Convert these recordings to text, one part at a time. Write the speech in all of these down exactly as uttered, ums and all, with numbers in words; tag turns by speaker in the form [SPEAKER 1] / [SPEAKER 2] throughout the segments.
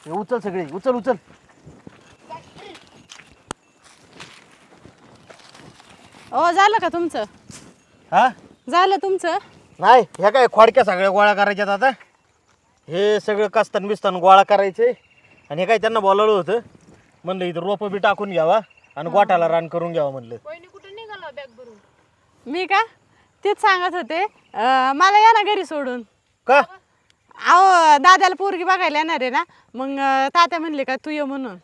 [SPEAKER 1] हे उचल सगळे, उचल उचल.
[SPEAKER 2] ओ झालं का तुमचं?
[SPEAKER 1] हा
[SPEAKER 2] झालं तुमचं?
[SPEAKER 1] नाही, ह्या काय खोडक्या सगळ्या गोळा करायच्यात आता. हे सगळं कस्तान बिस्तान गोळा करायचे आणि हे काय त्यांना बोलावलं होतं. म्हणलं इथं रोपं बी टाकून घ्यावा आणि गोठाला रान करून घ्यावा म्हणलं.
[SPEAKER 3] कुठे निघाला बॅग भरून?
[SPEAKER 2] मी का तेच सांगत होते. अं, मला या ना घरी सोडून.
[SPEAKER 1] का?
[SPEAKER 2] अहो दादाला पोरगी बघायला येणार आहे ना, मग अं, तात्या म्हणले का तू ये म्हणून.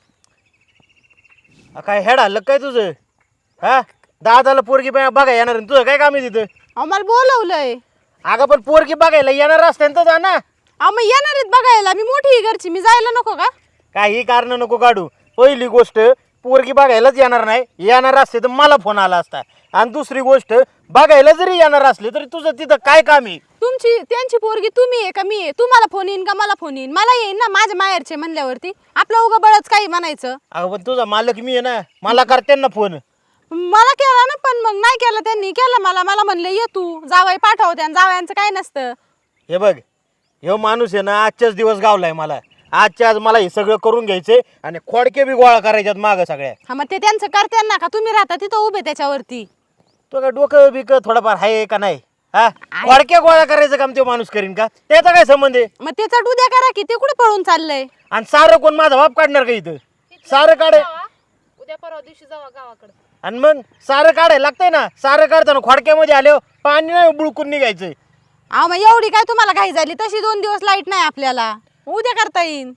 [SPEAKER 1] आ, काय हेड हल्लं काय तुझं? हा दादाला पोरगी बा- बघायला येणार आणि तुझं काय काम आहे तिथं?
[SPEAKER 2] अहो मला बोलवलंय.
[SPEAKER 1] अगं पण पोरगी बघायला येणार असत्यानं जा ना.
[SPEAKER 2] अहो मग येणार आहेत बघायला, मी मोठी आहे घरची, मी जायला नको का?
[SPEAKER 1] काही कारण नको काढू. पहिली गोष्ट पोरगी बघायलाच येणार नाही, येणार असते तर मला फोन आला असता. आणि दुसरी गोष्ट बघायला जरी येणार असले तरी तुझं तिथं काय काम आहे?
[SPEAKER 2] तुमची त्यांची पोरगी तुम्ही आहे का मी आहे? तुम्हाला फोन येईन का मला फोन येईन? मला येईन ना, माझ्या माहेरचे म्हणल्यावरती आपलं उगा बळच काही म्हणायचं.
[SPEAKER 1] अगं पण तुझा मालक मी आहे ना, मला करते ना फोन.
[SPEAKER 2] मला केला ना, पण मग नाही केला त्यांनी, केला मला. मला म्हणले ये तू, जावाई पाठवते आणि जावयांचं काय नसतं.
[SPEAKER 1] हे बघ, हे माणूस आहे ना आजच्याच दिवस गावलाय मला. आजच्या आज मला हे सगळं करून घ्यायचंय आणि खोडके बी गोळा करायच्यात मागं सगळ्या.
[SPEAKER 2] हा मग ते त्यांचं करते ना, का तुम्ही राहता तिथं उभे त्याच्यावरती?
[SPEAKER 1] तो काय डोकं बिक थोडंफार आहे का नाही? हा खोडके गोळा करायचं काम तो माणूस करीन का? त्याचा काय संबंध आहे?
[SPEAKER 2] मग ते चट उद्या करा की, ते कुठे पळून चाललंय?
[SPEAKER 1] आणि सारं कोण माझा बाप काढणार का इथं? सारं काढ
[SPEAKER 3] उद्या परवा दिवशी जावा गावाकडे.
[SPEAKER 1] आणि मग सारं काढायला लागतंय ना. सारं काढताना खोडक्यामध्ये आले पाणी नाही बुळकून निघायचंय.
[SPEAKER 2] अहो मग एवढी काय तुम्हाला घाई झाली? तशी दोन दिवस लाईट नाही आपल्याला, उद्या करता येईन.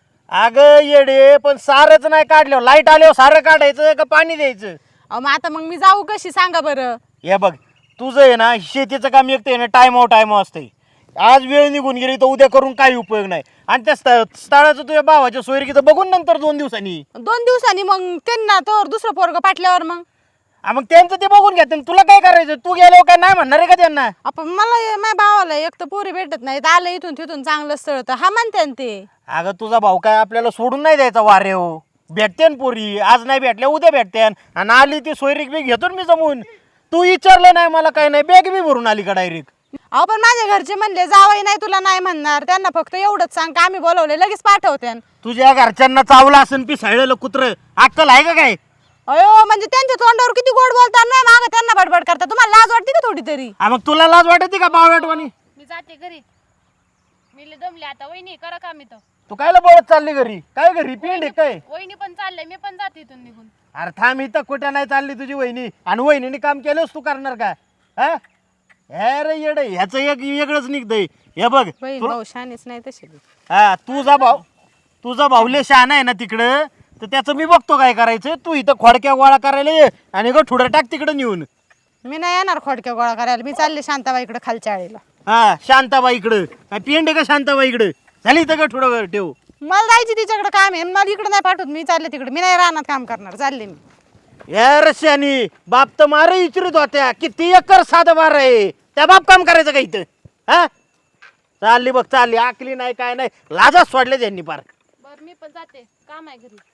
[SPEAKER 1] अगं येडे, पण सारंच नाही काढलं, लाईट आल्यावर सारं काढायचं का पाणी द्यायचं?
[SPEAKER 2] अहो मग आता मग मी जाऊ कशी सांगा बरं?
[SPEAKER 1] हे बघ, तुझं आहे ना शेतीचं काम एकटं आहे ना, टाइम टाइम असतंय. आज वेळ निघून गेली तर उद्या करून काही उपयोग नाही. आणि त्या स्थ स्थळाचं तुझ्या भावाच्या सोयरीकीचं बघून नंतर दोन दिवसांनी
[SPEAKER 2] दोन दिवसांनी मग त्यांना तर दुसरं पोरग पाटल्यावर मग
[SPEAKER 1] हा, मग त्यांचं ते बघून घ्या. तुला काय करायचं? तू गेल्यावर काय नाही म्हणणार आहे का त्यांना?
[SPEAKER 2] आपण मला ये- माझ्या भावाला एक तर पोरी भेटत नाही, आलं इथून तिथून चांगलं स्थळ तर हा म्हणते ना ते.
[SPEAKER 1] अगं तुझा भाऊ काय आपल्याला सोडून नाही द्यायचा वारे हो. भेटते पोरी, आज नाही भेटल्या उद्या भेटते. आणि आली ती सोयरीक बी घेतो मी जमून. तू विचारलं नाही मला, काय नाही, बॅग बी भरून आली का डायरेक्ट?
[SPEAKER 2] अहो पण माझ्या घरचे म्हणले जावई नाही तुला नाही म्हणणार, त्यांना फक्त एवढंच सांग का आम्ही बोलवले लगेच पाठवते.
[SPEAKER 1] तुझ्या घरच्यांना चावला असेल पिसाळलेलं कुत्र, अक्कल आहे का काय?
[SPEAKER 2] अयो म्हणजे त्यांच्या तोंडावर किती गोड बोलतात ना, माग त्यांना बडबड करतात. तुम्हाला लाज वाटते का थोडी तरी?
[SPEAKER 1] हा, मग तुला लाज वाटते का बावळटवाणी?
[SPEAKER 3] मी जाते घरी, मी लय दमले आता. वहिनी करा काम इथं.
[SPEAKER 1] तू कायला बोलत चालली घरी? काय घरी पिंड आहे काय?
[SPEAKER 3] वहिनी पण चाललंय, मी पण जाते इथून निघून.
[SPEAKER 1] अरे थांब, इथं कुठे नाही चालली तुझी वहिनी. आणि वहिनीने काम केलंस तू करणार का? हा अरे येड, ह्याचं एक वेगळंच निघतंय. हे बघ
[SPEAKER 2] बहीण
[SPEAKER 1] तू-
[SPEAKER 2] भाऊ शानेच नाही तसे.
[SPEAKER 1] हा तुझा भाऊ तुझा भाऊले शहाणा आहे ना तिकडं, तर त्याचं मी बघतो काय करायचं. तू इथं खोडक्या गोळा करायला ये आणि ग ठुडं टाक तिकडं नेऊन.
[SPEAKER 2] मी नाही येणार खोडक्या गोळा करायला, मी चालले शांताबाईकडे खालच्या आळीला.
[SPEAKER 1] हा शांताबाई इकडं काय पिंड आहे का शांताबाई इकडं? झाली इथं ग ठुडं ठेव.
[SPEAKER 2] मला जायची तिच्याकडे काम आहे, मला इकडे नाही पाठवत. मी चालले तिकडे, मी नाही राहणार काम करणार, चालले मी.
[SPEAKER 1] या रश्यानी बाप तर मार विचारित होत्या किती एकर साधं मार आहे, त्या बाप काम करायचं का इथं? हा चालली बघ, चालली, आकली नाही काय नाही, लाजाच सोडले त्यांनी पार.
[SPEAKER 3] बर मी पण जाते, काम आहे घरी.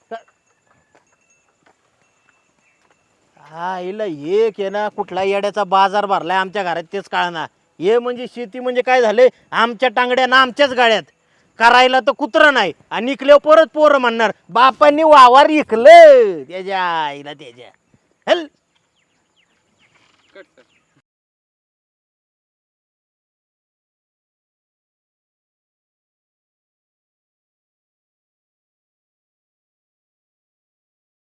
[SPEAKER 1] हा हिला एक आहे ना, कुठला येड्याचा बाजार भरलाय आमच्या घरात तेच कळना. हे म्हणजे शेती म्हणजे काय झालंय, आमच्या टांगड्या ना आमच्याच गाड्यात. करायला तर कुत्र नाही आणि इकल्यावर परत पोरं म्हणणार बापांनी वावर इकलं त्याच्या आईला त्याच्या. हल